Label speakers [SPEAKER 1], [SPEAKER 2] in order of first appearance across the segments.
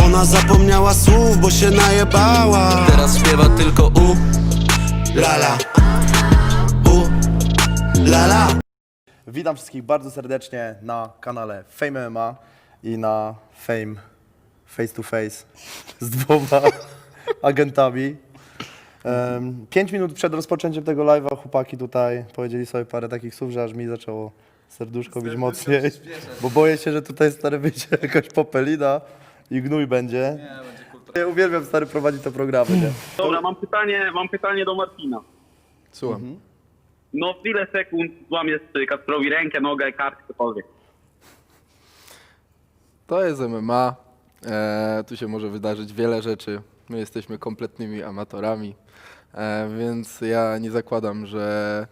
[SPEAKER 1] Ona zapomniała słów, bo się najebała.
[SPEAKER 2] Teraz śpiewa tylko
[SPEAKER 1] Lala, lala.
[SPEAKER 3] Witam wszystkich bardzo serdecznie na kanale Fame MMA i na Fame Face to Face z dwoma agentami. 5 minut przed rozpoczęciem tego live'a chłopaki tutaj powiedzieli sobie parę takich słów, że aż mi zaczęło serduszko bić mocniej, bo boję się, że tutaj stary wyjdzie jakaś popelina i gnój będzie. Ja uwielbiam stary prowadzić te programy, nie?
[SPEAKER 4] Dobra, mam pytanie do Marcina.
[SPEAKER 5] Słucham.
[SPEAKER 4] No w ile sekund złamiesz Kacprowi rękę, nogę, kartkę, cokolwiek?
[SPEAKER 5] To jest MMA. Tu się może wydarzyć wiele rzeczy. My jesteśmy kompletnymi amatorami, więc ja nie zakładam, że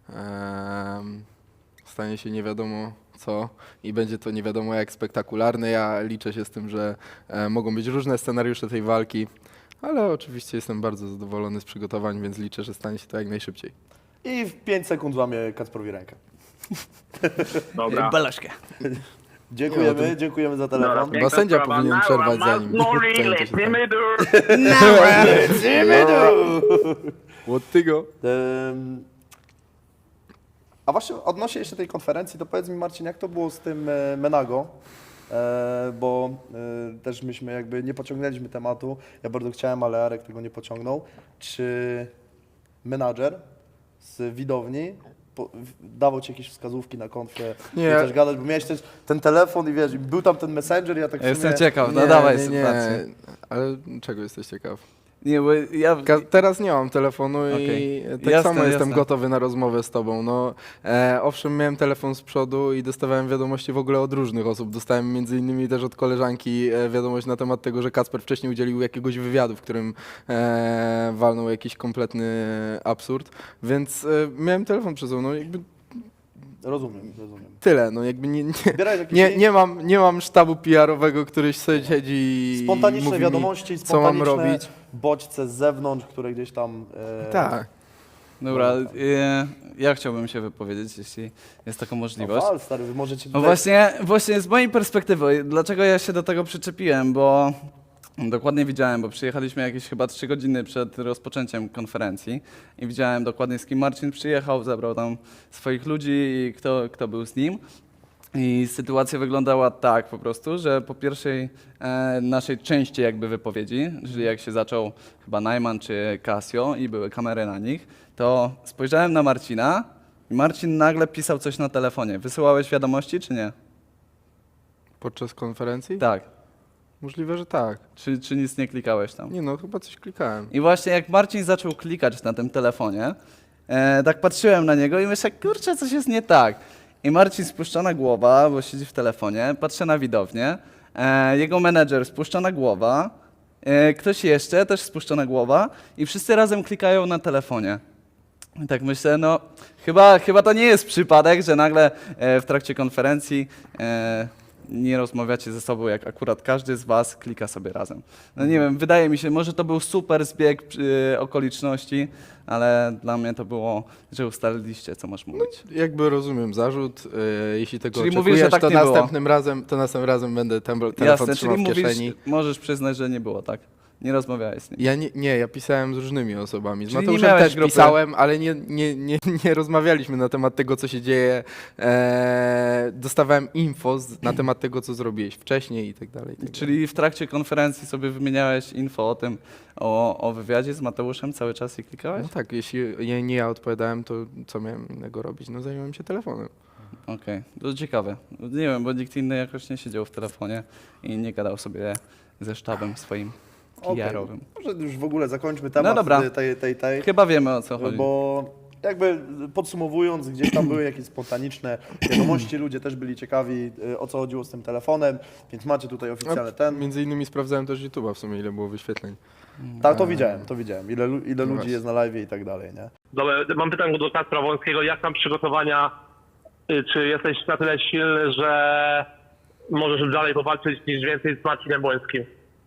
[SPEAKER 5] stanie się nie wiadomo co i będzie to nie wiadomo jak spektakularne. Ja liczę się z tym, że mogą być różne scenariusze tej walki, ale oczywiście jestem bardzo zadowolony z przygotowań, więc liczę, że stanie się to jak najszybciej.
[SPEAKER 3] I w 5 sekund złamie Kacprowi rękę.
[SPEAKER 4] Dobra.
[SPEAKER 6] Balaszkę.
[SPEAKER 3] Dziękujemy za telefon.
[SPEAKER 4] Dobra,
[SPEAKER 5] Chyba sędzia
[SPEAKER 4] sprawa.
[SPEAKER 5] powinien
[SPEAKER 4] Now
[SPEAKER 5] przerwać
[SPEAKER 4] I'm
[SPEAKER 5] zanim
[SPEAKER 4] Mauri,
[SPEAKER 5] zajęcie się
[SPEAKER 4] lecimy
[SPEAKER 5] Od tego.
[SPEAKER 3] A właśnie odnośnie jeszcze tej konferencji, to powiedz mi Marcin, jak to było z tym Menago? Bo też myśmy jakby nie pociągnęliśmy tematu. Ja bardzo chciałem, ale Arek tego nie pociągnął. Czy menadżer z widowni dawał ci jakieś wskazówki na konfie?
[SPEAKER 5] Nie.
[SPEAKER 3] Też gadać, bo miałeś też ten telefon i wiesz, był tam ten messenger, ja tak w sumie...
[SPEAKER 6] Jestem ciekaw, no dawaj sytuację.
[SPEAKER 5] Ale czego jesteś ciekaw?
[SPEAKER 6] Nie, bo ja...
[SPEAKER 5] Teraz nie mam telefonu
[SPEAKER 6] Okej.
[SPEAKER 5] i tak
[SPEAKER 6] Jasne,
[SPEAKER 5] samo jestem
[SPEAKER 6] jasne.
[SPEAKER 5] gotowy na rozmowę z tobą. No, owszem, miałem telefon z przodu i dostawałem wiadomości w ogóle od różnych osób. Dostałem między innymi też od koleżanki wiadomość na temat tego, że Kacper wcześniej udzielił jakiegoś wywiadu, w którym walnął jakiś kompletny absurd, więc miałem telefon przed sobą. No, jakby
[SPEAKER 3] Rozumiem.
[SPEAKER 5] tyle, no jakby
[SPEAKER 3] Zbierałeś jakieś
[SPEAKER 5] nie mam sztabu PR-owego, który sobie siedzi i
[SPEAKER 3] spontaniczne
[SPEAKER 5] mówi
[SPEAKER 3] wiadomości,
[SPEAKER 5] mi, co mam
[SPEAKER 3] spontaniczne
[SPEAKER 5] robić.
[SPEAKER 3] bodźce z zewnątrz, które gdzieś tam...
[SPEAKER 5] Tak.
[SPEAKER 6] Dobra, ja chciałbym się wypowiedzieć, jeśli jest taka możliwość.
[SPEAKER 3] Wal, stary, wy możecie
[SPEAKER 6] No
[SPEAKER 3] tutaj...
[SPEAKER 6] właśnie z mojej perspektywy, dlaczego ja się do tego przyczepiłem, bo dokładnie widziałem, bo przyjechaliśmy jakieś chyba 3 godziny przed rozpoczęciem konferencji i widziałem dokładnie z kim Marcin przyjechał, zabrał tam swoich ludzi i kto był z nim. I sytuacja wyglądała tak po prostu, że po pierwszej naszej części jakby wypowiedzi, czyli jak się zaczął chyba Najman czy Casio i były kamery na nich, to spojrzałem na Marcina i Marcin nagle pisał coś na telefonie. Wysyłałeś wiadomości czy nie?
[SPEAKER 5] Podczas konferencji?
[SPEAKER 6] Tak.
[SPEAKER 5] Możliwe, że tak.
[SPEAKER 6] Czy nic nie klikałeś tam?
[SPEAKER 5] Nie no, chyba coś klikałem.
[SPEAKER 6] I właśnie jak Marcin zaczął klikać na tym telefonie, tak patrzyłem na niego i myślę, kurczę, coś jest nie tak. I Marcin spuszczona głowa, bo siedzi w telefonie, patrzę na widownię, jego menedżer spuszczona głowa, ktoś jeszcze też spuszczona głowa i wszyscy razem klikają na telefonie. I tak myślę, no chyba to nie jest przypadek, że nagle w trakcie konferencji nie rozmawiacie ze sobą, jak akurat każdy z was klika sobie razem. No nie wiem, wydaje mi się, może to był super zbieg okoliczności, ale dla mnie to było, że ustaliliście, co masz mówić.
[SPEAKER 5] Jakby rozumiem zarzut, jeśli tego
[SPEAKER 6] Czyli
[SPEAKER 5] oczekujesz,
[SPEAKER 6] mówisz, że tak
[SPEAKER 5] to
[SPEAKER 6] nie było.
[SPEAKER 5] następnym razem będę telefon
[SPEAKER 6] Jasne,
[SPEAKER 5] trzymał
[SPEAKER 6] czyli
[SPEAKER 5] w kieszeni.
[SPEAKER 6] mówisz, możesz przyznać, że nie było, tak? Nie rozmawiałeś z nim.
[SPEAKER 5] Ja pisałem z różnymi osobami. Z
[SPEAKER 6] Czyli nie
[SPEAKER 5] Mateuszem
[SPEAKER 6] miałeś
[SPEAKER 5] też
[SPEAKER 6] grupy.
[SPEAKER 5] pisałem, ale nie rozmawialiśmy na temat tego, co się dzieje. Dostawałem info na temat tego, co zrobiłeś wcześniej i tak dalej.
[SPEAKER 6] Czyli w trakcie konferencji sobie wymieniałeś info o tym, o wywiadzie z Mateuszem cały czas i klikałeś?
[SPEAKER 5] No tak, jeśli nie ja odpowiadałem, to co miałem innego robić? No zająłem się telefonem.
[SPEAKER 6] Okej, to ciekawe. Nie wiem, bo nikt inny jakoś nie siedział w telefonie i nie gadał sobie ze sztabem swoim PR-owym.
[SPEAKER 3] Może już w ogóle zakończmy temat
[SPEAKER 6] No dobra.
[SPEAKER 3] tej.
[SPEAKER 6] Chyba wiemy, o co chodzi.
[SPEAKER 3] Bo jakby podsumowując, gdzieś tam były jakieś spontaniczne wiadomości, ludzie też byli ciekawi, o co chodziło z tym telefonem, więc macie tutaj oficjalny ten.
[SPEAKER 5] Między innymi sprawdzałem też YouTube'a w sumie, ile było wyświetleń.
[SPEAKER 3] Tak, to widziałem. Ile ludzi
[SPEAKER 5] właśnie.
[SPEAKER 3] jest na live i tak dalej, nie?
[SPEAKER 4] Dobra, mam pytanie do Kacpra Wąskiego. Jak tam przygotowania? Czy jesteś na tyle silny, że możesz dalej powalczyć niż więcej z Marcinem Błońskim?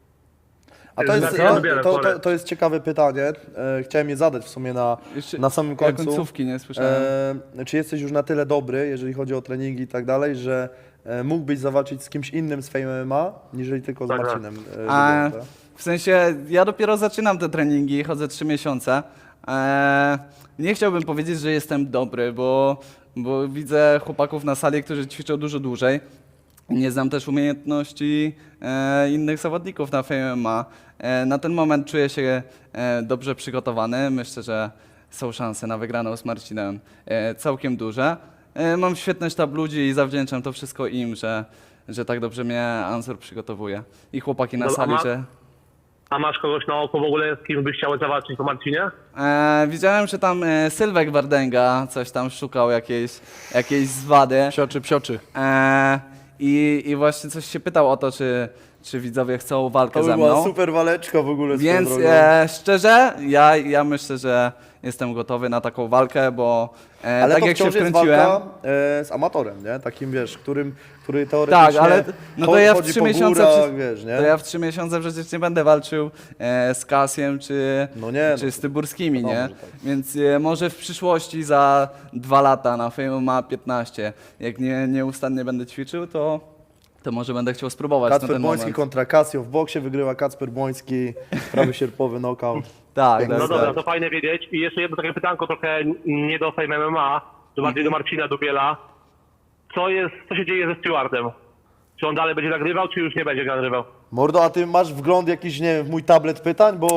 [SPEAKER 3] A to jest,
[SPEAKER 4] Co?
[SPEAKER 3] to jest ciekawe pytanie. Chciałem je zadać w sumie
[SPEAKER 6] Jeszcze
[SPEAKER 3] na samym końcu.
[SPEAKER 6] końcówki nie słyszałem.
[SPEAKER 3] Czy jesteś już na tyle dobry, jeżeli chodzi o treningi i tak dalej, że mógłbyś zawalczyć z kimś innym z Fame MMA, niżeli tylko z
[SPEAKER 4] Tak, tak.
[SPEAKER 3] Marcinem?
[SPEAKER 6] A,
[SPEAKER 3] Dubielą, tak?
[SPEAKER 6] w sensie, ja dopiero zaczynam te treningi, chodzę 3 miesiące. Nie chciałbym powiedzieć, że jestem dobry, bo widzę chłopaków na sali, którzy ćwiczą dużo dłużej. Nie znam też umiejętności innych zawodników na Fame MMA. Na ten moment czuję się dobrze przygotowany. Myślę, że są szanse na wygraną z Marcinem całkiem duże. Mam świetny sztab ludzi i zawdzięczam to wszystko im, że tak dobrze mnie Answer przygotowuje. I chłopaki na
[SPEAKER 4] No, a
[SPEAKER 6] sali,
[SPEAKER 4] ma-
[SPEAKER 6] że...
[SPEAKER 4] A masz kogoś na oko w ogóle, z kim byś chciał zawalczyć po Marcinie?
[SPEAKER 6] Widziałem, że tam Sylwek Wardęga coś tam szukał, jakiejś zwady.
[SPEAKER 5] Psioczy.
[SPEAKER 6] I właśnie coś się pytał o to, czy widzowie chcą walkę
[SPEAKER 3] To by
[SPEAKER 6] ze
[SPEAKER 3] była
[SPEAKER 6] mną.
[SPEAKER 3] super waleczka w ogóle.
[SPEAKER 6] Więc
[SPEAKER 3] swoją drogą.
[SPEAKER 6] szczerze, ja myślę, że jestem gotowy na taką walkę, bo
[SPEAKER 3] Ale
[SPEAKER 6] tak
[SPEAKER 3] to
[SPEAKER 6] jak się
[SPEAKER 3] wciąż jest
[SPEAKER 6] wkręciłem...
[SPEAKER 3] walka z amatorem, nie? Takim, wiesz, który teoretycznie
[SPEAKER 6] Tak, ale no to ja w
[SPEAKER 3] chodzi
[SPEAKER 6] 3
[SPEAKER 3] po
[SPEAKER 6] miesiące,
[SPEAKER 3] górach, wiesz, nie?
[SPEAKER 6] to ja w 3 miesiące przecież nie będę walczył z Kasiem
[SPEAKER 3] No nie,
[SPEAKER 6] czy
[SPEAKER 3] no
[SPEAKER 6] z Tyburskimi,
[SPEAKER 3] wiadomo,
[SPEAKER 6] nie?
[SPEAKER 3] że tak.
[SPEAKER 6] Więc może w przyszłości za 2 lata na Fame MMA 15, jak nieustannie będę ćwiczył, to może będę chciał spróbować na
[SPEAKER 3] Kacper
[SPEAKER 6] ten
[SPEAKER 3] Błoński
[SPEAKER 6] moment.
[SPEAKER 3] kontra Casio. W boksie wygrywa Kacper Błoński, prawy sierpowy knockout.
[SPEAKER 6] Tak,
[SPEAKER 3] Piękne.
[SPEAKER 4] No
[SPEAKER 6] tak,
[SPEAKER 4] dobra,
[SPEAKER 6] tak.
[SPEAKER 4] to fajnie wiedzieć. I jeszcze jedno takie pytanko, trochę nie do Fame MMA, to bardziej do Marcina Dubiela. Co się dzieje ze Stewardem? Czy on dalej będzie nagrywał, czy już nie będzie nagrywał?
[SPEAKER 3] Mordo, a ty masz wgląd jakiś, nie wiem, w mój tablet pytań? Bo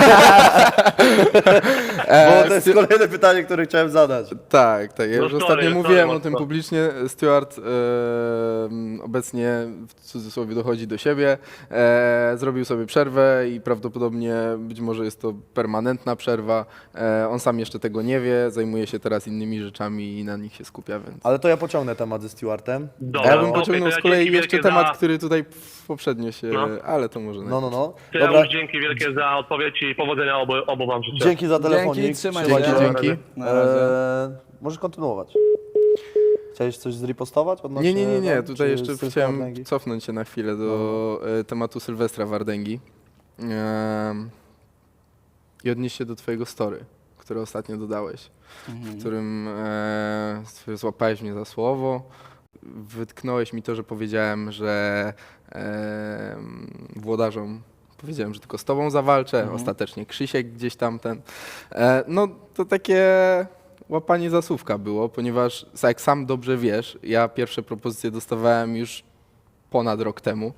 [SPEAKER 3] to jest kolejne pytanie, które chciałem zadać.
[SPEAKER 5] Tak. Ja
[SPEAKER 4] No
[SPEAKER 5] już
[SPEAKER 4] sorry,
[SPEAKER 5] ostatnio
[SPEAKER 4] sorry,
[SPEAKER 5] mówiłem o
[SPEAKER 4] mocno.
[SPEAKER 5] tym publicznie. Stewart obecnie w cudzysłowie dochodzi do siebie, zrobił sobie przerwę i prawdopodobnie być może jest to permanentna przerwa. On sam jeszcze tego nie wie, zajmuje się teraz innymi rzeczami i na nich się skupia, więc...
[SPEAKER 3] Ale to ja pociągnę temat ze Stewardem.
[SPEAKER 5] A
[SPEAKER 4] Dobra,
[SPEAKER 5] ja bym
[SPEAKER 4] okej,
[SPEAKER 5] pociągnął
[SPEAKER 4] to ja
[SPEAKER 5] z kolei
[SPEAKER 4] dzięki
[SPEAKER 5] jeszcze
[SPEAKER 4] wielkie
[SPEAKER 5] temat,
[SPEAKER 4] za-
[SPEAKER 5] który tutaj poprzednio się...
[SPEAKER 4] No.
[SPEAKER 5] Ale to może
[SPEAKER 3] No.
[SPEAKER 4] To
[SPEAKER 3] Dobra,
[SPEAKER 4] ja już dzięki wielkie za odpowiedź i powodzenia obu wam życzę.
[SPEAKER 3] dzięki za telefonik.
[SPEAKER 6] Dzięki, trzymaj
[SPEAKER 3] Trzymaj
[SPEAKER 6] się.
[SPEAKER 5] Dzięki.
[SPEAKER 6] Na razie.
[SPEAKER 3] Możesz kontynuować. Chciałeś coś zripostować odnośnie...
[SPEAKER 5] Nie.
[SPEAKER 3] walk,
[SPEAKER 5] Tutaj
[SPEAKER 3] czy
[SPEAKER 5] jeszcze
[SPEAKER 3] Sylwestra
[SPEAKER 5] chciałem
[SPEAKER 3] Wardęgi?
[SPEAKER 5] cofnąć się na chwilę do tematu Sylwestra Wardęgi i odnieść się do twojego story, które ostatnio dodałeś, w którym złapałeś mnie za słowo, wytknąłeś mi to, że powiedziałem, że włodarzom powiedziałem, że tylko z tobą zawalczę, ostatecznie Krzysiek gdzieś tam no to takie łapanie za słówka było, ponieważ jak sam dobrze wiesz, ja pierwsze propozycje dostawałem już ponad rok temu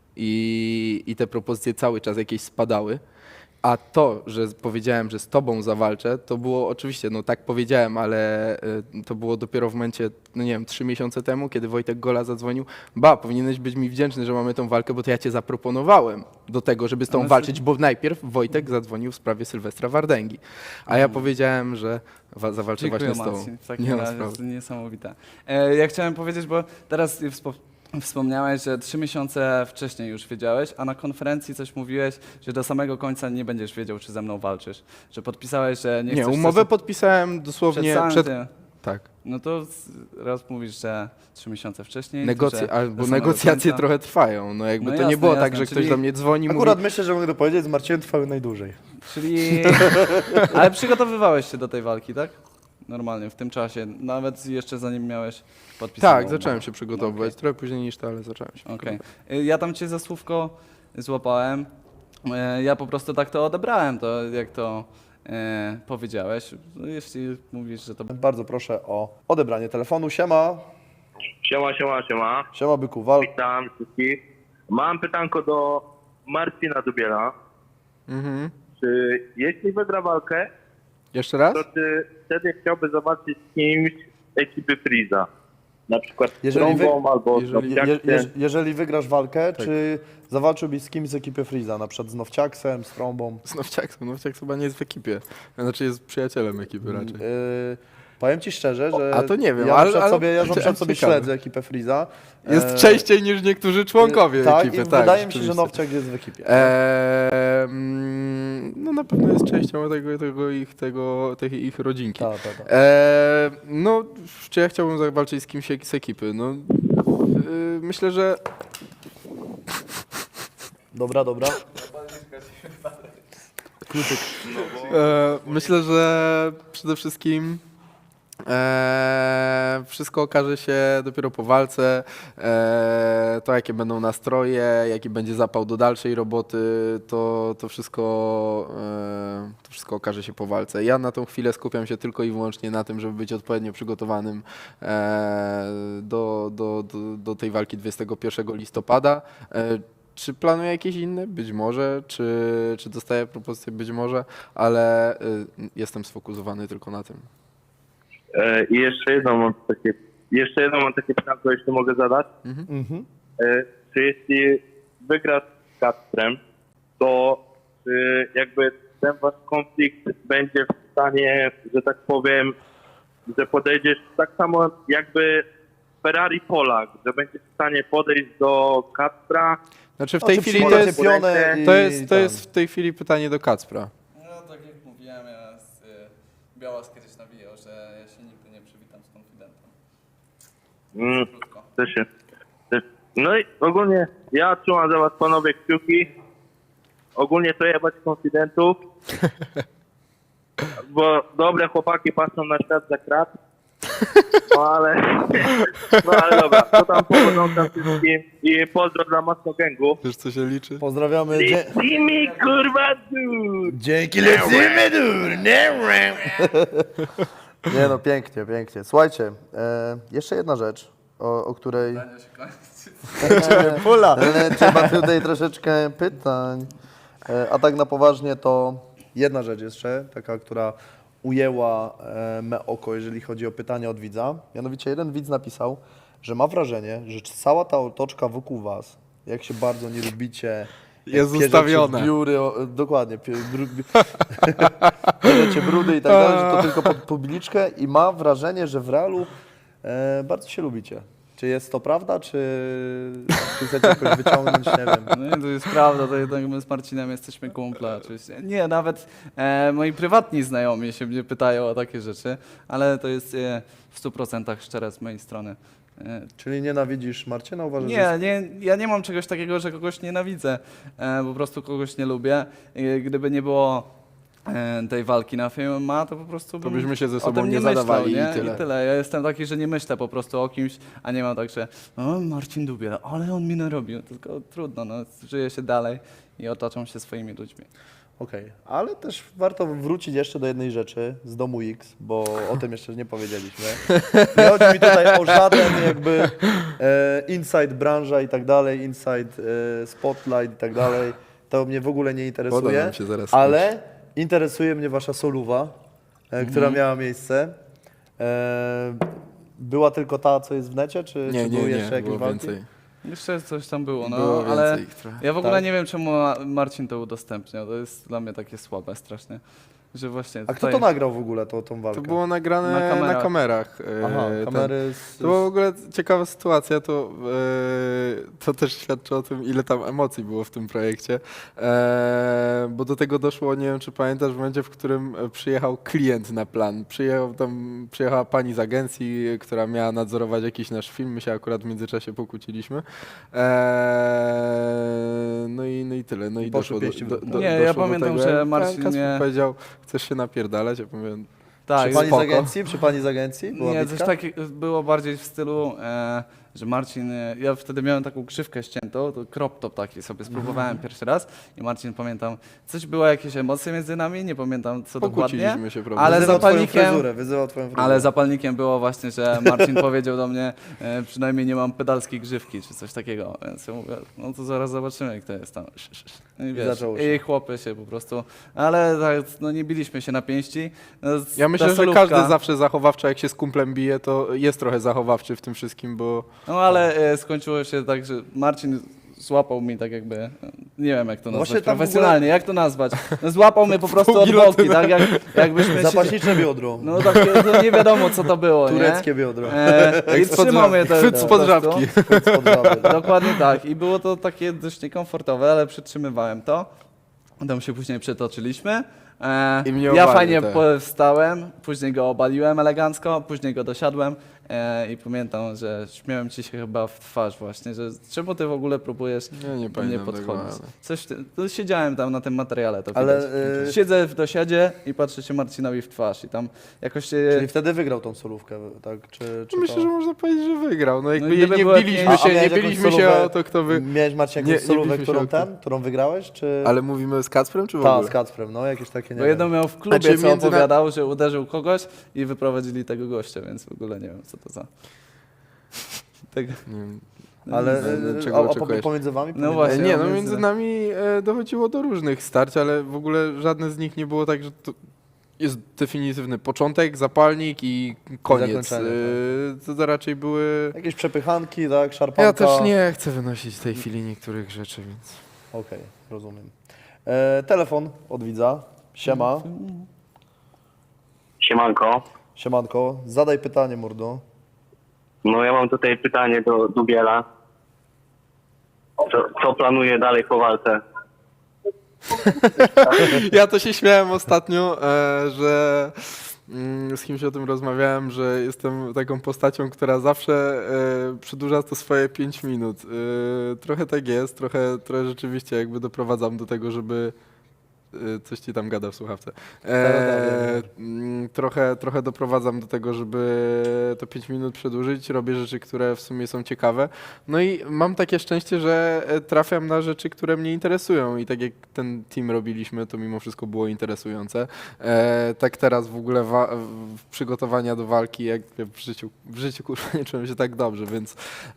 [SPEAKER 5] i te propozycje cały czas jakieś spadały. A to, że powiedziałem, że z tobą zawalczę, to było oczywiście, no tak powiedziałem, ale to było dopiero w momencie, no nie wiem, 3 miesiące temu, kiedy Wojtek Gola zadzwonił. Powinieneś być mi wdzięczny, że mamy tą walkę, bo to ja cię zaproponowałem do tego, żeby z tą walczyć, bo najpierw Wojtek zadzwonił w sprawie Sylwestra Wardęgi. A ja powiedziałem, że zawalczę
[SPEAKER 6] Dziękuję,
[SPEAKER 5] właśnie z tobą.
[SPEAKER 6] Marcin. W
[SPEAKER 5] Nie
[SPEAKER 6] takim
[SPEAKER 5] ma
[SPEAKER 6] razie
[SPEAKER 5] sprawy.
[SPEAKER 6] jest niesamowite. Ja chciałem powiedzieć, bo teraz wspomniałeś, że 3 miesiące wcześniej już wiedziałeś, a na konferencji coś mówiłeś, że do samego końca nie będziesz wiedział, czy ze mną walczysz. Że podpisałeś, że nie
[SPEAKER 5] Nie,
[SPEAKER 6] chcesz...
[SPEAKER 5] umowę podpisałem dosłownie
[SPEAKER 6] samym
[SPEAKER 5] przed...
[SPEAKER 6] tym.
[SPEAKER 5] Tak.
[SPEAKER 6] No to raz mówisz, że 3 miesiące wcześniej.
[SPEAKER 5] Bo
[SPEAKER 6] do samego
[SPEAKER 5] negocjacje
[SPEAKER 6] końca.
[SPEAKER 5] trochę trwają. No jakby
[SPEAKER 6] No
[SPEAKER 5] to
[SPEAKER 6] jasne,
[SPEAKER 5] nie było tak,
[SPEAKER 6] jasne,
[SPEAKER 5] że ktoś
[SPEAKER 6] czyli
[SPEAKER 5] do mnie dzwoni,
[SPEAKER 3] Akurat
[SPEAKER 5] mówi,
[SPEAKER 3] myślę, że mogę to powiedzieć, z Marcinem trwały najdłużej.
[SPEAKER 6] Czyli... Ale przygotowywałeś się do tej walki, tak? Normalnie, w tym czasie. Nawet jeszcze zanim miałeś podpisaną
[SPEAKER 5] tak,
[SPEAKER 6] umowę.
[SPEAKER 5] zacząłem się przygotowywać. Trochę później niż to, ale zacząłem się.
[SPEAKER 6] Okej. Ja tam cię za słówko złapałem. Ja po prostu tak to odebrałem, to jak to powiedziałeś. No, jeśli mówisz, że to...
[SPEAKER 3] Bardzo proszę o odebranie telefonu. Siema.
[SPEAKER 4] Siema.
[SPEAKER 3] Siema, byku, wal.
[SPEAKER 4] Witam wszystkich. Mam pytanko do Marcina Dubiela.
[SPEAKER 5] Mhm.
[SPEAKER 4] Czy jeśli wygra walkę,
[SPEAKER 5] Jeszcze raz?
[SPEAKER 4] to czy wtedy chciałby zobaczyć z kimś z ekipy Freeza? Na przykład z
[SPEAKER 3] Jeżeli wy-
[SPEAKER 4] Trąbą albo z
[SPEAKER 5] jeżeli-
[SPEAKER 4] Nowciaksem.
[SPEAKER 3] Jeżeli wygrasz walkę, czy zawalczyłbyś z kimś z ekipy Freeza, na przykład z Nowciaksem, z Trąbą?
[SPEAKER 5] Z Nowciaksem. Nowciaks chyba nie jest w ekipie. Znaczy jest przyjacielem ekipy raczej.
[SPEAKER 3] Powiem ci szczerze, że
[SPEAKER 5] A to nie wiem,
[SPEAKER 3] ja
[SPEAKER 5] ale-
[SPEAKER 3] na przykład
[SPEAKER 5] ale-
[SPEAKER 3] sobie
[SPEAKER 5] ciekawe.
[SPEAKER 3] śledzę ekipę Freeza.
[SPEAKER 5] Jest częściej niż niektórzy członkowie
[SPEAKER 3] tak,
[SPEAKER 5] ekipy.
[SPEAKER 3] i wydaje mi się, że
[SPEAKER 5] rzeczywiście.
[SPEAKER 3] Nowciak jest w ekipie.
[SPEAKER 5] No na pewno jest częścią tej ich rodzinki.
[SPEAKER 3] Tak.
[SPEAKER 5] No, czy ja chciałbym zawalczyć z kimś z ekipy? No, myślę, że
[SPEAKER 3] Dobra.
[SPEAKER 5] myślę, że przede wszystkim Wszystko okaże się dopiero po walce. To jakie będą nastroje, jaki będzie zapał do dalszej roboty, to wszystko okaże się po walce. Ja na tą chwilę skupiam się tylko i wyłącznie na tym, żeby być odpowiednio przygotowanym do tej walki 21 listopada. Czy planuję jakieś inne? Być może. Czy dostaję propozycje? Być może, ale jestem sfokusowany tylko na tym.
[SPEAKER 2] I jeszcze jedno mam takie pytanie, jeśli mogę zadać. Czy jeśli wygrasz z Kacprem, to czy jakby ten wasz konflikt będzie w stanie, że tak powiem, że podejdziesz tak samo jakby Ferrari Polak, że będziesz w stanie podejść do Kacpra?
[SPEAKER 5] Znaczy w tej chwili
[SPEAKER 3] przyjmie
[SPEAKER 5] to jest,
[SPEAKER 3] pionę
[SPEAKER 5] to jest w tej chwili pytanie do Kacpra.
[SPEAKER 6] No tak jak mówiłem, Białas kiedyś nawijał, że ja się nigdy nie przywitam z konfidentem. Krótko.
[SPEAKER 2] No i ogólnie ja trzymam za was panowie kciuki. Ogólnie to jebać konfidentów. Bo dobre chłopaki patrzą na świat za krat. No ale dobra, to tam powodzą tam wszystkim i pozdro dla Mocno Gangu.
[SPEAKER 5] Wiesz co się liczy?
[SPEAKER 3] Pozdrawiamy.
[SPEAKER 2] Lecimy kurwa tu!
[SPEAKER 3] Dzięki, lecimy, Nie no, pięknie, pięknie. Słuchajcie, jeszcze jedna rzecz, o której...
[SPEAKER 5] Pula!
[SPEAKER 3] Trzeba tutaj troszeczkę pytań. A tak na poważnie to jedna rzecz jeszcze, taka, która ujęła me oko, jeżeli chodzi o pytania od widza. Mianowicie jeden widz napisał, że ma wrażenie, że cała ta otoczka wokół was, jak się bardzo nie lubicie,
[SPEAKER 5] Jest
[SPEAKER 3] jak pierzecie
[SPEAKER 5] ustawione.
[SPEAKER 3] Biury, dokładnie, bierzecie brudy i tak dalej, że to tylko pod publiczkę i ma wrażenie, że w realu bardzo się lubicie. Czy jest to prawda, czy chcecie jakoś wyciągnąć, nie wiem.
[SPEAKER 6] No nie, to jest prawda, to jednak my z Marcinem jesteśmy kumple oczywiście. Nie, nawet moi prywatni znajomi się mnie pytają o takie rzeczy, ale to jest w 100% szczere z mojej strony.
[SPEAKER 3] Czyli nienawidzisz Marcina? Uważasz, że
[SPEAKER 6] Ja nie mam czegoś takiego, że kogoś nienawidzę, po prostu kogoś nie lubię. I gdyby nie było tej walki na Fame MMA, to po prostu
[SPEAKER 5] To byśmy się ze
[SPEAKER 6] o
[SPEAKER 5] sobą
[SPEAKER 6] tym
[SPEAKER 5] nie
[SPEAKER 6] myślał,
[SPEAKER 5] zadawali
[SPEAKER 6] nie?
[SPEAKER 5] i tyle.
[SPEAKER 6] Ja jestem taki, że nie myślę po prostu o kimś, a nie mam tak, że o, Marcin Dubiel, ale on mi narobił. Tylko trudno, no, żyje się dalej i otaczam się swoimi ludźmi.
[SPEAKER 3] Okej, ale też warto wrócić jeszcze do jednej rzeczy z Domu X, bo o tym jeszcze nie powiedzieliśmy. Nie chodzi mi tutaj o żaden jakby inside branża i tak dalej, inside spotlight i tak dalej. To mnie w ogóle nie
[SPEAKER 5] Woda
[SPEAKER 3] interesuje,
[SPEAKER 5] nam się zaraz
[SPEAKER 3] ale interesuje mnie wasza soluwa, która miała miejsce. Była tylko ta, co jest w necie, czy były jeszcze jakieś
[SPEAKER 5] było
[SPEAKER 3] walki?
[SPEAKER 5] więcej.
[SPEAKER 6] Jeszcze coś tam było, no,
[SPEAKER 5] Było
[SPEAKER 6] ale
[SPEAKER 5] więcej ich trochę.
[SPEAKER 6] ja w ogóle
[SPEAKER 3] Tak?
[SPEAKER 6] nie wiem, czemu Marcin to udostępniał. To jest dla mnie takie słabe strasznie, że właśnie
[SPEAKER 3] A kto
[SPEAKER 6] tutaj...
[SPEAKER 3] to nagrał w ogóle tą walkę?
[SPEAKER 5] To było nagrane
[SPEAKER 6] Na kamerach.
[SPEAKER 3] Aha,
[SPEAKER 5] kamerach.
[SPEAKER 3] kamery
[SPEAKER 5] To była w ogóle ciekawa sytuacja, to też świadczy o tym, ile tam emocji było w tym projekcie, bo do tego doszło, nie wiem czy pamiętasz, w momencie, w którym przyjechał klient na plan. Przyjechała pani z agencji, która miała nadzorować jakiś nasz film, my się akurat w międzyczasie pokłóciliśmy. No i tyle. No i
[SPEAKER 3] Poszły
[SPEAKER 5] doszło
[SPEAKER 3] pieści w dół.
[SPEAKER 6] Nie, ja
[SPEAKER 5] doszło do
[SPEAKER 6] pamiętam,
[SPEAKER 5] tego,
[SPEAKER 6] że
[SPEAKER 5] jak
[SPEAKER 6] Marcin
[SPEAKER 5] Kacper
[SPEAKER 6] mnie-
[SPEAKER 5] powiedział, chcesz się napierdalać? Ja mówię,
[SPEAKER 6] Tak,
[SPEAKER 3] Przy pani z
[SPEAKER 6] spoko.
[SPEAKER 3] agencji? Przy pani z agencji? Była
[SPEAKER 6] Nie,
[SPEAKER 3] bitka?
[SPEAKER 6] coś takiego było bardziej w stylu, że Marcin, ja wtedy miałem taką grzywkę ściętą, to crop top taki sobie spróbowałem pierwszy raz i Marcin, pamiętam, coś było, jakieś emocje między nami, nie pamiętam co dokładnie,
[SPEAKER 5] Pokłóciliśmy się, prawda?
[SPEAKER 6] ale
[SPEAKER 3] Wyzywał twoją
[SPEAKER 6] zapalnikiem,
[SPEAKER 3] fryzurę, wyzywał twoją fryzurę.
[SPEAKER 6] ale zapalnikiem było właśnie, że Marcin powiedział do mnie, przynajmniej nie mam pedalskiej grzywki, czy coś takiego, więc ja mówię, no to zaraz zobaczymy, kto jest tam. I wiesz,
[SPEAKER 3] zaczęło się.
[SPEAKER 6] i chłopy się po prostu, ale tak, no nie biliśmy się na pięści. No,
[SPEAKER 5] Ja myślę,
[SPEAKER 6] ta
[SPEAKER 5] że
[SPEAKER 6] solówka-
[SPEAKER 5] każdy zawsze zachowawczy, jak się z kumplem bije, to jest trochę zachowawczy w tym wszystkim, bo
[SPEAKER 6] No ale skończyło się tak, że Marcin złapał mi tak jakby, nie wiem jak to
[SPEAKER 3] Właśnie
[SPEAKER 6] nazwać
[SPEAKER 3] tam w ogóle-
[SPEAKER 6] profesjonalnie, jak to nazwać? No, złapał mnie po prostu od
[SPEAKER 5] gilotyna.
[SPEAKER 6] boki, tak jakbyśmy się...
[SPEAKER 3] Zapaśnicze biodro.
[SPEAKER 6] No takie, to nie wiadomo co to było,
[SPEAKER 3] Tureckie
[SPEAKER 6] nie?
[SPEAKER 3] biodro.
[SPEAKER 6] I
[SPEAKER 5] spod
[SPEAKER 6] trzymał mnie
[SPEAKER 5] żabki.
[SPEAKER 6] to
[SPEAKER 5] Chwyt spod żabki.
[SPEAKER 3] Spod żaby.
[SPEAKER 6] Dokładnie tak. I było to takie dość niekomfortowe, ale przytrzymywałem to. Tam się później przetoczyliśmy.
[SPEAKER 5] I mnie
[SPEAKER 6] Ja
[SPEAKER 5] obalił,
[SPEAKER 6] fajnie
[SPEAKER 5] tak.
[SPEAKER 6] wstałem, później go obaliłem elegancko, później go dosiadłem I pamiętam, że śmiałem ci się chyba w twarz właśnie, że czemu ty w ogóle próbujesz
[SPEAKER 5] Ja nie
[SPEAKER 6] do mnie
[SPEAKER 5] pamiętam tego,
[SPEAKER 6] podchodzić.
[SPEAKER 5] ale-
[SPEAKER 6] Coś, to siedziałem tam na tym materiale, to
[SPEAKER 3] Ale,
[SPEAKER 6] widać. Siedzę w dosiadzie i patrzę się Marcinowi w twarz i tam jakoś się...
[SPEAKER 3] Czyli wtedy wygrał tą solówkę, tak? Czy
[SPEAKER 5] Myślę,
[SPEAKER 3] to...
[SPEAKER 5] że można powiedzieć, że wygrał. No jakby
[SPEAKER 6] gdyby
[SPEAKER 5] nie
[SPEAKER 6] była
[SPEAKER 5] biliśmy
[SPEAKER 6] pięć-
[SPEAKER 5] się, nie
[SPEAKER 3] miałeś jakąś
[SPEAKER 5] biliśmy się
[SPEAKER 3] solówę-
[SPEAKER 5] o to, kto wy...
[SPEAKER 3] Miałeś, Marcin,
[SPEAKER 5] Nie,
[SPEAKER 3] jakąś
[SPEAKER 5] nie
[SPEAKER 3] solówę,
[SPEAKER 5] biliśmy się
[SPEAKER 3] którą wygrałeś, czy...
[SPEAKER 5] Ale mówimy z Kacprem, czy w
[SPEAKER 3] Tak,
[SPEAKER 5] ogóle?
[SPEAKER 3] z Kacprem, no jakieś takie, nie
[SPEAKER 6] Bo jedną
[SPEAKER 3] wiem.
[SPEAKER 6] miał w klubie,
[SPEAKER 5] Znaczy,
[SPEAKER 6] co
[SPEAKER 5] między na-
[SPEAKER 6] opowiadał, że uderzył kogoś i wyprowadzili tego gościa, więc w ogóle nie wiem, co to za... Tego...
[SPEAKER 5] Nie wiem.
[SPEAKER 3] Ale
[SPEAKER 5] Czego
[SPEAKER 3] a
[SPEAKER 5] oczekujesz?
[SPEAKER 3] pomiędzy wami?
[SPEAKER 6] No właśnie.
[SPEAKER 5] Nie, no
[SPEAKER 6] między-
[SPEAKER 5] między nami dochodziło do różnych starć, ale w ogóle żadne z nich nie było tak, że to jest definitywny początek, zapalnik i koniec.
[SPEAKER 3] zakończenie,
[SPEAKER 5] To raczej były...
[SPEAKER 3] Jakieś przepychanki, tak? Szarpanka?
[SPEAKER 5] Ja też nie chcę wynosić w tej chwili niektórych rzeczy, więc...
[SPEAKER 3] Okej, rozumiem. Telefon od widza. Siema.
[SPEAKER 2] Siemanko.
[SPEAKER 3] Siemanko. Zadaj pytanie, mordo.
[SPEAKER 2] No ja mam tutaj pytanie do Dubiela. Co planuje dalej po walce?
[SPEAKER 5] Ja to się śmiałem ostatnio, że z kimś o tym rozmawiałem, że jestem taką postacią, która zawsze przedłuża to swoje 5 minut. Trochę tak jest, trochę rzeczywiście jakby doprowadzam do tego, żeby... Coś ci tam gada w słuchawce. Trochę doprowadzam do tego, żeby to 5 minut przedłużyć. Robię rzeczy, które w sumie są ciekawe. No i mam takie szczęście, że trafiam na rzeczy, które mnie interesują. I tak jak ten team robiliśmy, to mimo wszystko było interesujące. Tak teraz w ogóle przygotowania do walki, jak w życiu kurwa nie czułem się tak dobrze, więc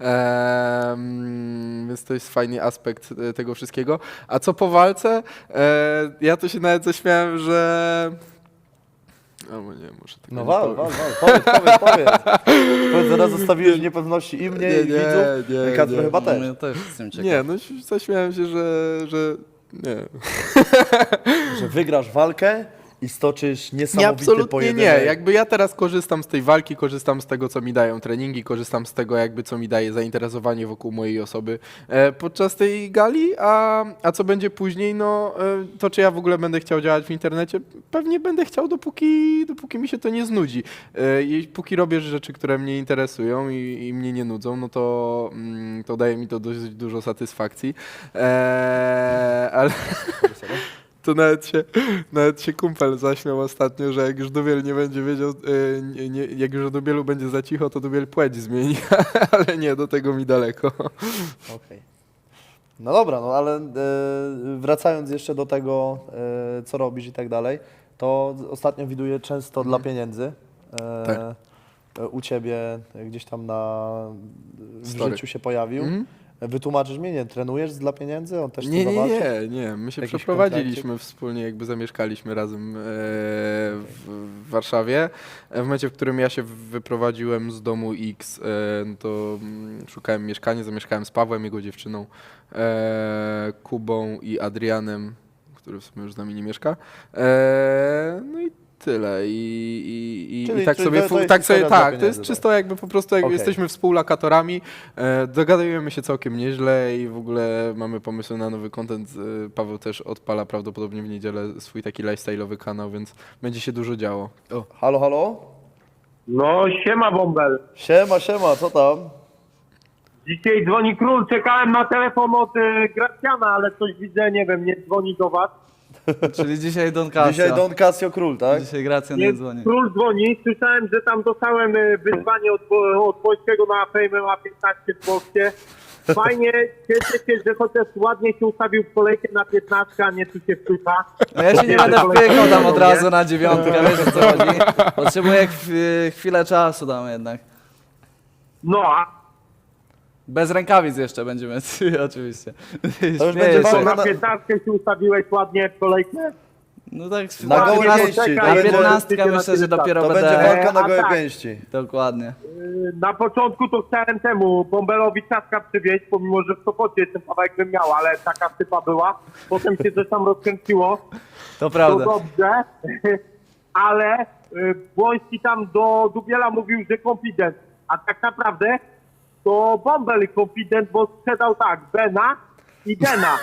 [SPEAKER 5] to jest fajny aspekt tego wszystkiego. A co po walce? Ja to się nawet zaśmiałem, że... Albo nie, muszę tego
[SPEAKER 3] No
[SPEAKER 5] nie
[SPEAKER 3] wal,
[SPEAKER 5] powiem.
[SPEAKER 3] powiedz. Powiedz, zaraz zostawiłeś niepewności i mnie, i widzów.
[SPEAKER 5] nie,
[SPEAKER 3] Kacper
[SPEAKER 5] nie.
[SPEAKER 3] chyba też.
[SPEAKER 6] Ja też jestem ciekaw.
[SPEAKER 5] Nie, no zaśmiałem się, że nie.
[SPEAKER 3] Że wygrasz walkę i stoczysz
[SPEAKER 5] Nie,
[SPEAKER 3] niesamowity
[SPEAKER 5] absolutnie
[SPEAKER 3] pojedynek.
[SPEAKER 5] nie. Jakby ja teraz korzystam z tej walki, korzystam z tego, co mi dają treningi, korzystam z tego, jakby co mi daje zainteresowanie wokół mojej osoby podczas tej gali, a co będzie później, no to czy ja w ogóle będę chciał działać w internecie? Pewnie będę chciał, dopóki mi się to nie znudzi. Póki robię rzeczy, które mnie interesują i mnie nie nudzą, no to daje mi to dość dużo satysfakcji. Ale... To nawet się kumpel zaśmiał ostatnio, że jak już Dubiel nie będzie wiedział, jak już o Dubielu będzie za cicho, to Dubiel płeć zmieni, ale nie, do tego mi daleko.
[SPEAKER 3] Okej. No dobra, no ale wracając jeszcze do tego, co robisz i tak dalej, to ostatnio widuję często dla pieniędzy.
[SPEAKER 5] Tak.
[SPEAKER 3] U ciebie gdzieś tam w
[SPEAKER 5] Story.
[SPEAKER 3] życiu się pojawił. Wytłumaczysz mnie, nie trenujesz dla pieniędzy? On też chce
[SPEAKER 5] Nie.
[SPEAKER 3] zawalczyć?
[SPEAKER 5] My się
[SPEAKER 3] Jakiś
[SPEAKER 5] przeprowadziliśmy wspólnie, jakby zamieszkaliśmy razem w Warszawie. W momencie, w którym ja się wyprowadziłem z domu X, to szukałem mieszkania, zamieszkałem z Pawłem, jego dziewczyną, Kubą i Adrianem, który w sumie już z nami nie mieszka. No i tyle. I
[SPEAKER 3] Czyli-
[SPEAKER 5] tak
[SPEAKER 3] czyli
[SPEAKER 5] sobie,
[SPEAKER 3] to jest
[SPEAKER 5] tak
[SPEAKER 3] historia
[SPEAKER 5] sobie,
[SPEAKER 3] dla
[SPEAKER 5] tak, to
[SPEAKER 3] pieniędzy,
[SPEAKER 5] jest
[SPEAKER 3] tak.
[SPEAKER 5] czysto jakby po prostu, jak
[SPEAKER 3] Okej.
[SPEAKER 5] jesteśmy współlokatorami, dogadujemy się całkiem nieźle i w ogóle mamy pomysły na nowy content. Paweł też odpala prawdopodobnie w niedzielę swój taki lifestyle'owy kanał, więc będzie się dużo działo. O.
[SPEAKER 3] Halo, halo?
[SPEAKER 4] No siema Bąbel.
[SPEAKER 3] Siema, co tam?
[SPEAKER 4] Dzisiaj dzwoni król, czekałem na telefon od Gracjana, ale coś widzę, nie wiem, nie dzwoni do was.
[SPEAKER 6] Czyli dzisiaj Don Casio.
[SPEAKER 3] Dzisiaj Don Casio Król, tak?
[SPEAKER 6] Dzisiaj Gracjan nie dzwoni.
[SPEAKER 4] Król dzwoni, słyszałem, że tam dostałem wyzwanie od Polskiego na Fame ma 15 w Polsce. Fajnie, cieszę się, że chociaż ładnie się ustawił w kolejkę na 15, a nie tu się wpycha.
[SPEAKER 6] No ja się nie będę wpykał tam od razu na 9, wiesz o co chodzi. Potrzebuję chwilę czasu tam jednak.
[SPEAKER 4] No, a
[SPEAKER 6] Bez rękawic jeszcze będziemy, oczywiście.
[SPEAKER 3] To już
[SPEAKER 6] Śmieję
[SPEAKER 3] będzie
[SPEAKER 6] się.
[SPEAKER 3] walka
[SPEAKER 4] na 15 się ustawiłeś ładnie w kolejkę.
[SPEAKER 6] No tak,
[SPEAKER 3] Na gołe
[SPEAKER 4] Ładnie
[SPEAKER 3] pięści,
[SPEAKER 4] poczekaj,
[SPEAKER 3] to
[SPEAKER 6] na
[SPEAKER 3] będzie-
[SPEAKER 6] 15 myślę, że dopiero
[SPEAKER 3] To będzie
[SPEAKER 6] będę...
[SPEAKER 3] walka na
[SPEAKER 4] a
[SPEAKER 3] gołe
[SPEAKER 4] tak.
[SPEAKER 3] pięści.
[SPEAKER 6] Dokładnie.
[SPEAKER 4] Na początku to chciałem temu Bąbelowi ciastka przywieźć, pomimo że w Sopocie jestem kawałek bym miał, ale taka sypa była. Potem się coś tam rozkręciło.
[SPEAKER 6] To
[SPEAKER 4] To
[SPEAKER 6] prawda.
[SPEAKER 4] dobrze, ale Błoński tam do Dubiela mówił, że konfident, a tak naprawdę to Bąbel konfident, bo sprzedał tak, Bena i Dena.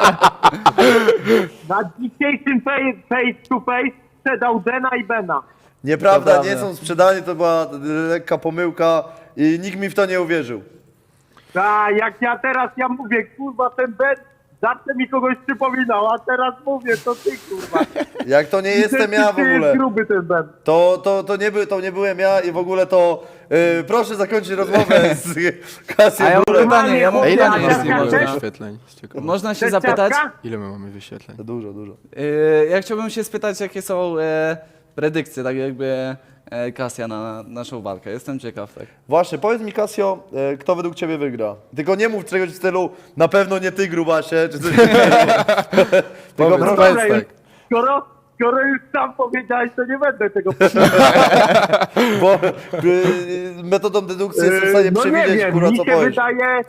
[SPEAKER 4] Na dzisiejszym face to face sprzedał Dena i Bena.
[SPEAKER 3] Nieprawda,
[SPEAKER 6] To
[SPEAKER 3] nie
[SPEAKER 6] prawda.
[SPEAKER 3] są sprzedani, to była lekka pomyłka i nikt mi w to nie uwierzył.
[SPEAKER 4] A jak ja mówię, kurwa, ten Ben zawsze mi kogoś przypominał, a teraz mówię, to ty, kurwa.
[SPEAKER 3] Jak to nie jestem ja w
[SPEAKER 4] Ty jest
[SPEAKER 3] ogóle.
[SPEAKER 4] gruby ten Ben.
[SPEAKER 3] To nie byłem ja i w ogóle to proszę zakończyć rozmowę z Kasją.
[SPEAKER 6] A ja mam
[SPEAKER 3] Górem.
[SPEAKER 6] pytanie, ja mam
[SPEAKER 5] A ile
[SPEAKER 4] Ja
[SPEAKER 5] my
[SPEAKER 6] pytanie,
[SPEAKER 5] mamy
[SPEAKER 6] jeśli
[SPEAKER 4] też-
[SPEAKER 6] można.
[SPEAKER 5] wyświetleń? Z ciekawości?
[SPEAKER 6] Można się
[SPEAKER 4] Chcesz
[SPEAKER 6] zapytać?
[SPEAKER 4] ciastka?
[SPEAKER 5] Ile my mamy wyświetleń?
[SPEAKER 3] Dużo.
[SPEAKER 6] Ja chciałbym się spytać, jakie są predykcje, tak jakby Kasia na naszą walkę. Jestem ciekaw, tak.
[SPEAKER 3] Właśnie, powiedz mi Kasio, kto według ciebie wygra? Tylko nie mów czegoś w stylu, na pewno nie ty grubasie, czy coś takiego. Tylko
[SPEAKER 5] Powiedz,
[SPEAKER 3] proszę,
[SPEAKER 5] powiedz
[SPEAKER 4] Dobra,
[SPEAKER 5] tak.
[SPEAKER 4] skoro już sam powiedziałeś, to nie będę tego
[SPEAKER 3] bo metodą dedukcji jestem w stanie
[SPEAKER 4] No nie
[SPEAKER 3] przewidzieć,
[SPEAKER 4] wiem,
[SPEAKER 3] kurwa,
[SPEAKER 4] mi
[SPEAKER 3] co
[SPEAKER 4] się
[SPEAKER 3] powiesz.
[SPEAKER 4] wydaje,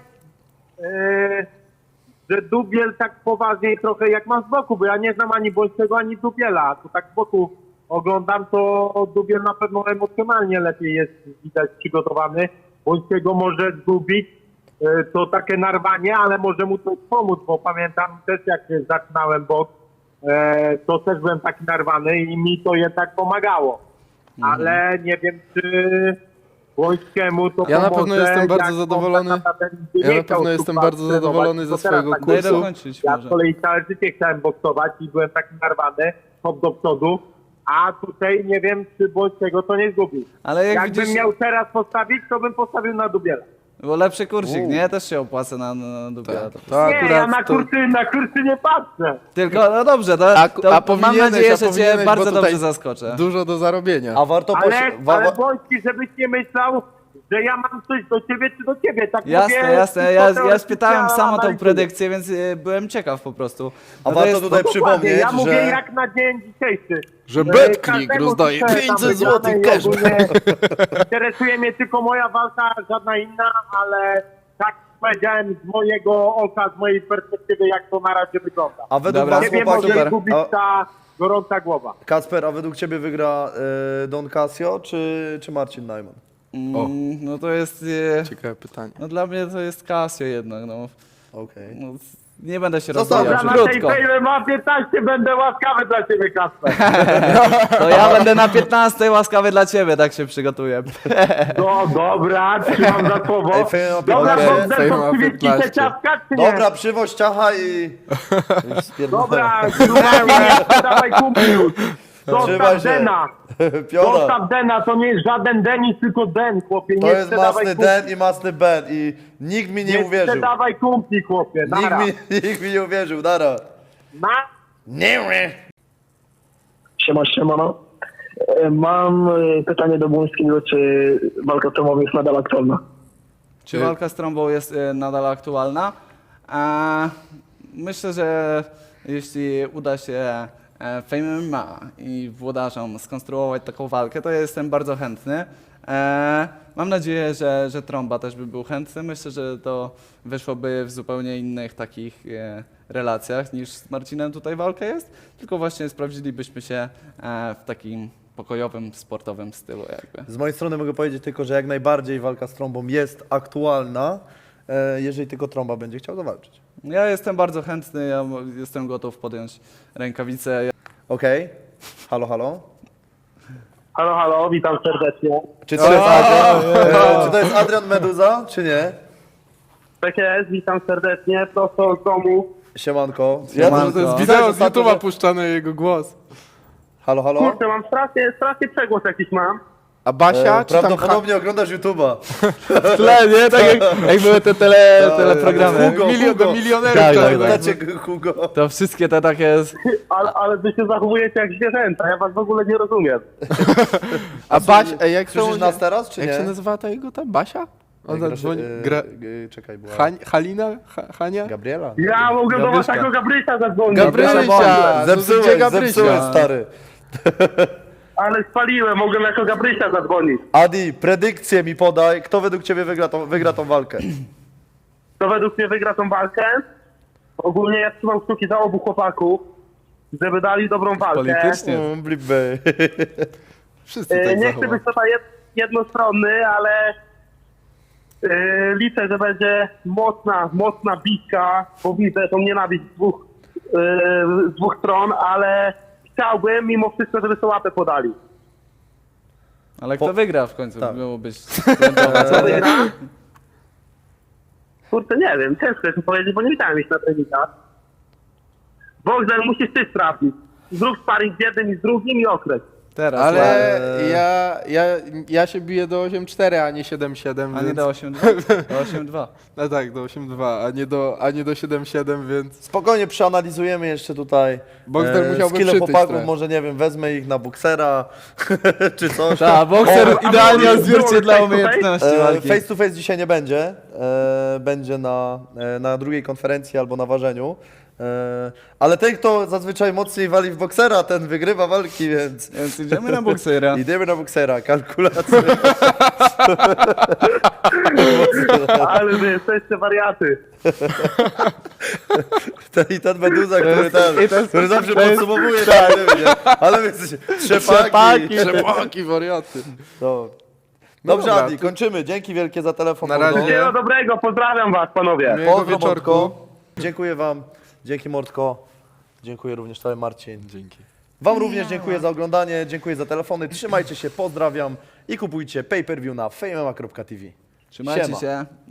[SPEAKER 4] że Dubiel tak poważniej trochę jak ma z boku, bo ja nie znam ani Błońskiego, ani Dubiela. Tu tak z boku oglądam, to Dubiel na pewno emocjonalnie lepiej jest, widać, przygotowany. Błońskiego może zgubić, to takie narwanie, ale może mu to pomóc, bo pamiętam też jak zaczynałem boks, to też byłem taki narwany i mi to jednak pomagało. Ale nie wiem, czy Błońskiemu to
[SPEAKER 5] Ja na
[SPEAKER 4] pomoże,
[SPEAKER 5] pewno jestem bardzo
[SPEAKER 4] jak on
[SPEAKER 5] zadowolony.
[SPEAKER 4] tak naprawdę nigdy
[SPEAKER 5] Ja
[SPEAKER 4] nie
[SPEAKER 5] na
[SPEAKER 4] chciał
[SPEAKER 5] pewno jestem
[SPEAKER 4] super
[SPEAKER 5] bardzo
[SPEAKER 4] trenować,
[SPEAKER 5] zadowolony
[SPEAKER 4] tylko
[SPEAKER 5] ze
[SPEAKER 4] teraz
[SPEAKER 5] swojego
[SPEAKER 4] tak
[SPEAKER 6] Daj
[SPEAKER 5] kursu.
[SPEAKER 6] dokończyć
[SPEAKER 4] ja
[SPEAKER 6] może.
[SPEAKER 4] z kolei całe życie chciałem boksować i byłem taki narwany, hop do przodu, a tutaj nie wiem, czy Błońskiego to nie zgubił.
[SPEAKER 6] Ale jak
[SPEAKER 4] Jakbym
[SPEAKER 6] widzisz,
[SPEAKER 4] miał teraz postawić, to bym postawił na Dubiela.
[SPEAKER 6] bo lepszy kurcik, nie? Też się opłaca na Dubiela.
[SPEAKER 5] To
[SPEAKER 4] Nie, ja
[SPEAKER 5] akurat
[SPEAKER 4] na
[SPEAKER 5] to...
[SPEAKER 4] kursy nie patrzę.
[SPEAKER 6] Tylko, no dobrze, to mam
[SPEAKER 5] powinieneś,
[SPEAKER 6] nadzieję, że cię
[SPEAKER 5] powinieneś,
[SPEAKER 6] bardzo
[SPEAKER 5] bo
[SPEAKER 6] dobrze
[SPEAKER 5] tutaj
[SPEAKER 6] zaskoczę.
[SPEAKER 5] Dużo do zarobienia.
[SPEAKER 3] A warto
[SPEAKER 4] Ale Błoński, żebyś nie myślał, że ja mam coś do ciebie czy do ciebie. Tak
[SPEAKER 6] Jasne,
[SPEAKER 4] mówię,
[SPEAKER 6] jasne.
[SPEAKER 4] tylko
[SPEAKER 6] Ja
[SPEAKER 4] teoretycznie
[SPEAKER 6] spytałem samo tą
[SPEAKER 4] analizuję.
[SPEAKER 6] predykcję, więc byłem ciekaw po prostu.
[SPEAKER 3] A
[SPEAKER 6] No to
[SPEAKER 3] warto
[SPEAKER 6] jest-
[SPEAKER 3] tutaj
[SPEAKER 4] Dokładnie,
[SPEAKER 3] przypomnieć,
[SPEAKER 4] ja mówię
[SPEAKER 3] że...
[SPEAKER 4] jak na dzień dzisiejszy.
[SPEAKER 5] Że
[SPEAKER 4] Każdemu
[SPEAKER 5] BetClick rozdaje
[SPEAKER 4] życzę tam
[SPEAKER 5] 500
[SPEAKER 4] wygranej
[SPEAKER 5] złotych
[SPEAKER 4] i
[SPEAKER 5] cashback.
[SPEAKER 4] ogólnie interesuje mnie tylko moja walka, żadna inna, ale tak powiedziałem z mojego oka, z mojej perspektywy, jak to na razie wygląda.
[SPEAKER 3] A według
[SPEAKER 6] Dobra,
[SPEAKER 3] was,
[SPEAKER 4] Nie wiem,
[SPEAKER 3] chłopaki,
[SPEAKER 4] może zgubić
[SPEAKER 3] a,
[SPEAKER 4] ta gorąca głowa.
[SPEAKER 3] Kacper, a według ciebie wygra Don Casio czy Marcin Najman?
[SPEAKER 6] No to jest...
[SPEAKER 5] Ciekawe pytanie.
[SPEAKER 6] No dla mnie to jest Casio jednak, no.
[SPEAKER 3] Okej.
[SPEAKER 6] No, nie będę się
[SPEAKER 3] Zostawiam.
[SPEAKER 6] rozmawiał,
[SPEAKER 4] Dobra, na tej
[SPEAKER 6] krótko.
[SPEAKER 4] fejmie ma 15, będę łaskawy dla ciebie, Kasper.
[SPEAKER 6] To ja będę na 15 łaskawy dla ciebie, tak się przygotuję.
[SPEAKER 4] No dobra, trzymam za słowo.
[SPEAKER 3] Ej, fejm ma
[SPEAKER 4] Dobra,
[SPEAKER 3] 15.
[SPEAKER 4] Bogdan,
[SPEAKER 5] Fejm
[SPEAKER 4] to
[SPEAKER 5] ma
[SPEAKER 4] przywieźć ci
[SPEAKER 5] 15.
[SPEAKER 4] te ciastka, czy nie?
[SPEAKER 3] Dobra, przywoź ciacha i spierdolę.
[SPEAKER 4] Dobra, gruba, nie dawaj kumpli już.
[SPEAKER 3] Trzymaj
[SPEAKER 4] Zostaw
[SPEAKER 3] się.
[SPEAKER 4] Dena.
[SPEAKER 3] Piona.
[SPEAKER 4] Zostaw Dena, to nie jest żaden Denis, tylko Den, chłopie.
[SPEAKER 3] To
[SPEAKER 4] Nie
[SPEAKER 3] jest
[SPEAKER 4] sprzedawaj
[SPEAKER 3] masny
[SPEAKER 4] kumpli.
[SPEAKER 3] Den i masny Ben i nikt mi nie uwierzył.
[SPEAKER 4] sprzedawaj kumpli, chłopie. Nara.
[SPEAKER 3] Nikt mi nie uwierzył, dara.
[SPEAKER 4] Na?
[SPEAKER 3] Nie.
[SPEAKER 7] Siemano. Mam pytanie do Błońskiego, czy walka tomowa jest nadal aktualna?
[SPEAKER 6] Czy walka z trąbą jest nadal aktualna? Myślę, że jeśli uda się Fame MMA i włodarzom skonstruować taką walkę, to ja jestem bardzo chętny. Mam nadzieję, że Trąba też by był chętny. Myślę, że to wyszłoby w zupełnie innych takich relacjach niż z Marcinem tutaj walka jest, tylko właśnie sprawdzilibyśmy się w takim pokojowym, sportowym stylu jakby.
[SPEAKER 3] Z mojej strony mogę powiedzieć tylko, że jak najbardziej walka z trąbą jest aktualna, jeżeli tylko trąba będzie chciał zawalczyć.
[SPEAKER 6] Ja jestem bardzo chętny, ja jestem gotów podjąć rękawice.
[SPEAKER 3] Okej? Halo, halo?
[SPEAKER 4] Halo, halo, witam serdecznie.
[SPEAKER 3] Czy to jest Adrian Meduza, czy nie?
[SPEAKER 4] Tak jest, witam serdecznie, prosto z domu.
[SPEAKER 3] Siemanko.
[SPEAKER 6] Siemanko.
[SPEAKER 5] To jest
[SPEAKER 6] No.
[SPEAKER 5] wideo z
[SPEAKER 3] ostatnio,
[SPEAKER 5] YouTube'a
[SPEAKER 3] że-
[SPEAKER 5] puszczany jego głos.
[SPEAKER 3] Halo, halo?
[SPEAKER 4] Kurczę, mam strasznie przegłos jakiś mam.
[SPEAKER 5] A Basia, czy tam
[SPEAKER 3] Prawdopodobnie oglądasz YouTube'a.
[SPEAKER 6] W tle, nie? Tak jak były te teleprogramy.
[SPEAKER 3] Hugo,
[SPEAKER 5] milion do
[SPEAKER 3] Hugo.
[SPEAKER 5] milionerów.
[SPEAKER 6] Tak,
[SPEAKER 5] tak,
[SPEAKER 6] tak,
[SPEAKER 5] tak.
[SPEAKER 3] Dacie Hugo.
[SPEAKER 6] To wszystkie te takie...
[SPEAKER 4] Ale wy się zachowujecie jak zwierzęta, ja was w ogóle nie rozumiem.
[SPEAKER 5] A Basia, jak
[SPEAKER 3] Słyszysz nas teraz, czy
[SPEAKER 5] Jak
[SPEAKER 3] nie?
[SPEAKER 5] się nazywała ta jego ta Basia? Ona
[SPEAKER 3] Grasz-
[SPEAKER 5] dzwoni...
[SPEAKER 3] Czekaj, była...
[SPEAKER 5] Halina? Hania?
[SPEAKER 3] Gabriela?
[SPEAKER 4] Ja mogę do
[SPEAKER 6] Gabryśka.
[SPEAKER 4] waszego Gabrysia zadzwonić.
[SPEAKER 5] Gabrysia!
[SPEAKER 3] Zepsułeś,
[SPEAKER 5] Gdzie Gabrysia?
[SPEAKER 3] zepsułeś, stary.
[SPEAKER 4] Ale spaliłem, mogłem jako Gabrysia zadzwonić.
[SPEAKER 3] Adi, predykcję mi podaj. Kto według ciebie wygra tą walkę?
[SPEAKER 4] Kto według mnie wygra tą walkę? Ogólnie ja trzymam kciuki za obu chłopaków, żeby dali dobrą walkę.
[SPEAKER 6] Politycznie.
[SPEAKER 3] Blibby.
[SPEAKER 5] Wszyscy tak
[SPEAKER 4] Nie chcę
[SPEAKER 5] zachowali.
[SPEAKER 4] być tutaj jednostronny, ale liczę, że będzie mocna bitka, bo widzę tą nienawiść z dwóch stron, ale chciałbym mimo wszystko, żeby sobie łapę podali.
[SPEAKER 6] Ale kto wygra w końcu?
[SPEAKER 3] Tak.
[SPEAKER 6] Miało być skrętowe, co?
[SPEAKER 4] Kurczę, nie wiem, ciężko jest mi powiedzieć, bo nie widziałem ich na treningach. Bogdan, musisz ty sprawdzić. Zrób sparring z jednym i z drugim i okres.
[SPEAKER 6] Teraz,
[SPEAKER 5] Ale ja się biję do 8-4, a nie 7-7,
[SPEAKER 6] a nie
[SPEAKER 5] więc...
[SPEAKER 6] do 8-2? Do 8-2.
[SPEAKER 5] No tak, do 8-2, a nie do 7-7, więc...
[SPEAKER 3] Spokojnie przeanalizujemy jeszcze tutaj
[SPEAKER 5] Bogdan musiałby
[SPEAKER 3] skille
[SPEAKER 5] przytyć
[SPEAKER 3] chłopaków,
[SPEAKER 5] trochę.
[SPEAKER 3] może nie wiem, wezmę ich na boksera czy coś.
[SPEAKER 6] Tak, bokser
[SPEAKER 4] a
[SPEAKER 6] idealnie
[SPEAKER 4] może
[SPEAKER 6] odzwierciedla
[SPEAKER 4] face to face?
[SPEAKER 6] umiejętności walki.
[SPEAKER 3] Face to face dzisiaj nie będzie. Będzie na drugiej konferencji albo na ważeniu. Ale ten, kto zazwyczaj mocniej wali w boksera, ten wygrywa walki, więc
[SPEAKER 6] Więc idziemy na boksera.
[SPEAKER 3] idziemy na boksera. Kalkulacje.
[SPEAKER 4] Ale wy jesteście wariaty.
[SPEAKER 3] Ten Meduza, który zawsze
[SPEAKER 6] to jest-
[SPEAKER 3] podsumowuje. Tak, ale wy jesteście trzepaki.
[SPEAKER 5] Trzepaki, wariaty.
[SPEAKER 3] No.
[SPEAKER 5] No
[SPEAKER 3] Dobrze,
[SPEAKER 5] dobra,
[SPEAKER 3] Adi,
[SPEAKER 5] to-
[SPEAKER 3] kończymy. Dzięki wielkie za telefon.
[SPEAKER 5] Na razie.
[SPEAKER 3] Mordo.
[SPEAKER 4] Wszystkiego dobrego, pozdrawiam was, panowie.
[SPEAKER 5] Miłego
[SPEAKER 3] Pozdro,
[SPEAKER 5] wieczorku.
[SPEAKER 3] Mordko. Dziękuję wam. Dzięki, Mordko. Dziękuję również tobie, Marcin.
[SPEAKER 5] Dzięki.
[SPEAKER 3] Wam również dziękuję za oglądanie, dziękuję za telefony. Trzymajcie się, pozdrawiam i kupujcie pay-per-view na fejmema.tv.
[SPEAKER 6] Trzymajcie
[SPEAKER 3] Siema.
[SPEAKER 6] się.